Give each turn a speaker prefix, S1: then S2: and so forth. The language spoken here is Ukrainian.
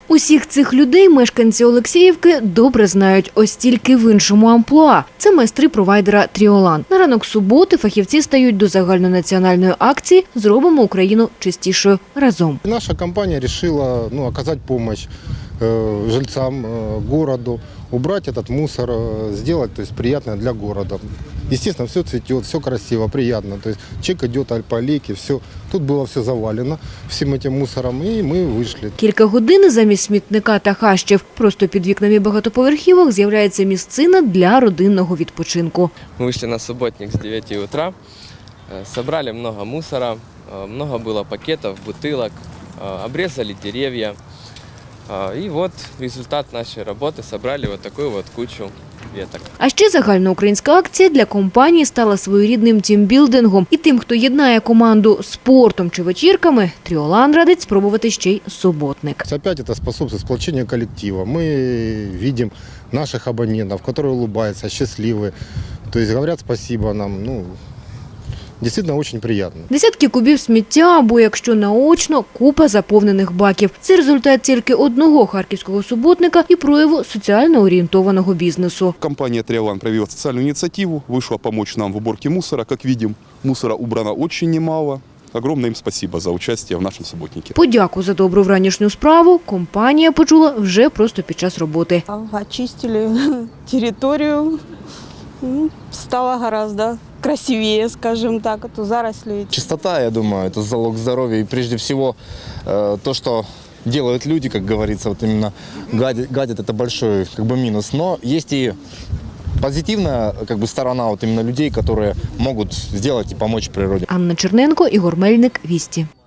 S1: Усіх цих людей мешканці Олексіївки добре знають, ось тільки в іншому амплуа. Це майстри провайдера «Тріолан». На ранок суботи фахівці стають до загальнонаціональної акції «Зробимо Україну чистішою разом».
S2: Наша компания решила оказать помощь жильцам городу, убрать этот мусор, сделать приятное для города. Естественно, все цветет, все красиво, приятно. То есть человек идет по аллейке, все. Тут было все завалено всем этим мусором, и мы вышли.
S1: Кілька годин замість смітника та хащів просто під вікнами багатоповерхівок з'являється місцина для родинного відпочинку.
S3: Мы вышли на субботник с 9 утра, собрали много мусора, много было пакетов, бутылок, обрезали деревья. И вот результат нашей работы, собрали вот такую вот кучу веток.
S1: А ще загальноукраїнська акція для компанії стала своєрідним тімбілдингом. І тим, хто єднає команду спортом чи вечірками, «Тріолан» радить спробувати ще й суботник.
S2: Опять это способствует сплочению коллектива. Мы видим наших абонентов, которые улыбаются, счастливы. То есть говорят спасибо нам. Действительно очень приятно.
S1: Десятки кубів сміття або, якщо наочно, купа заповнених баків. Це результат тільки одного харківського суботника і прояву соціально орієнтованого бізнесу.
S4: Компания «Тріолан» проявила социальную инициативу, вышла помочь нам в уборке мусора. Как видим, мусора убрано очень немало. Огромное им спасибо за участие в нашем субботнике.
S1: Подяку за добру вранішню справу компанія почула вже просто під час роботи.
S5: Очистили территорию, стало гораздо красивее, скажем так, а то заросли.
S6: Чистота, я думаю, это залог здоровья. И прежде всего то, что делают люди, как говорится, вот именно гадят, это большой минус. Но есть и позитивная сторона вот именно людей, которые могут сделать и помочь природе.
S1: Анна Черненко, Ігор Мельник, Вісті.